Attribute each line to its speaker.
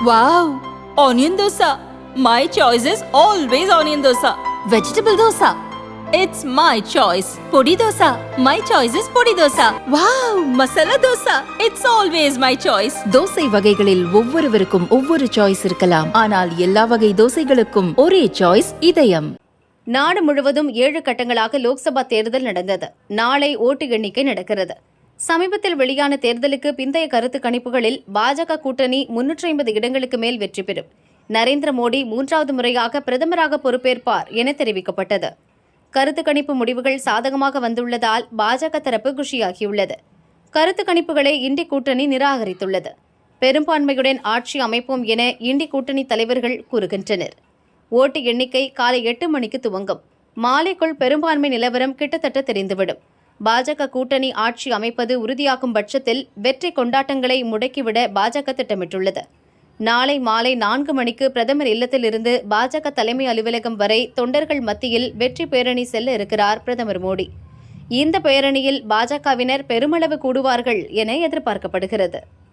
Speaker 1: Wow! Onion dosa. My choice is always onion dosa. Vegetable dosa. It's my choice. Podi dosa. My choice is podi dosa. Wow! Masala dosa. It's always my choice.
Speaker 2: Dosa வகைகளில் ஒவ்வொருவருக்கும் ஒவ்வொரு choice இருக்கலாம். ஆனால் எல்லா வகை தோசைகளுக்கும் ஒரே choice இதயம்.
Speaker 3: நாடு முழுவதும் 7 கட்டங்களாக லோக்சபா தேர்தல் நடந்தது. நாளை ஓட்டு எண்ணிக்கை நடக்கிறது. சமீபத்தில் வெளியான தேர்தலுக்கு பிந்தைய கருத்து கணிப்புகளில் பாஜக கூட்டணி 350 இடங்களுக்கு மேல் வெற்றி பெறும். நரேந்திர மோடி 3வது முறையாக பிரதமராக பொறுப்பேற்பார் என தெரிவிக்கப்பட்டது. கருத்து கணிப்பு முடிவுகள் சாதகமாக வந்துள்ளதால் பாஜக தரப்பு குஷியாகியுள்ளது. கருத்து கணிப்புகளை இண்டி கூட்டணி நிராகரித்துள்ளது. பெரும்பான்மையுடன் ஆட்சி அமைப்போம் என இண்டி கூட்டணி தலைவர்கள் கூறுகின்றனர். ஓட்டு எண்ணிக்கை காலை 8 மணிக்கு துவங்கும். மாலைக்குள் பெரும்பான்மை நிலவரம் கிட்டத்தட்ட தெரிந்துவிடும். பாஜக கூட்டணி ஆட்சி அமைப்பது உறுதியாகும் பட்சத்தில் வெற்றி கொண்டாட்டங்களை முடக்கிவிட பாஜக திட்டமிட்டுள்ளது. நாளை மாலை 4 மணிக்கு பிரதமர் இல்லத்திலிருந்து பாஜக தலைமை அலுவலகம் வரை தொண்டர்கள் மத்தியில் வெற்றி பேரணி செல்ல இருக்கிறார் பிரதமர் மோடி. இந்த பேரணியில் பாஜகவினர் பெருமளவு கூடுவார்கள் என எதிர்பார்க்கப்படுகிறது.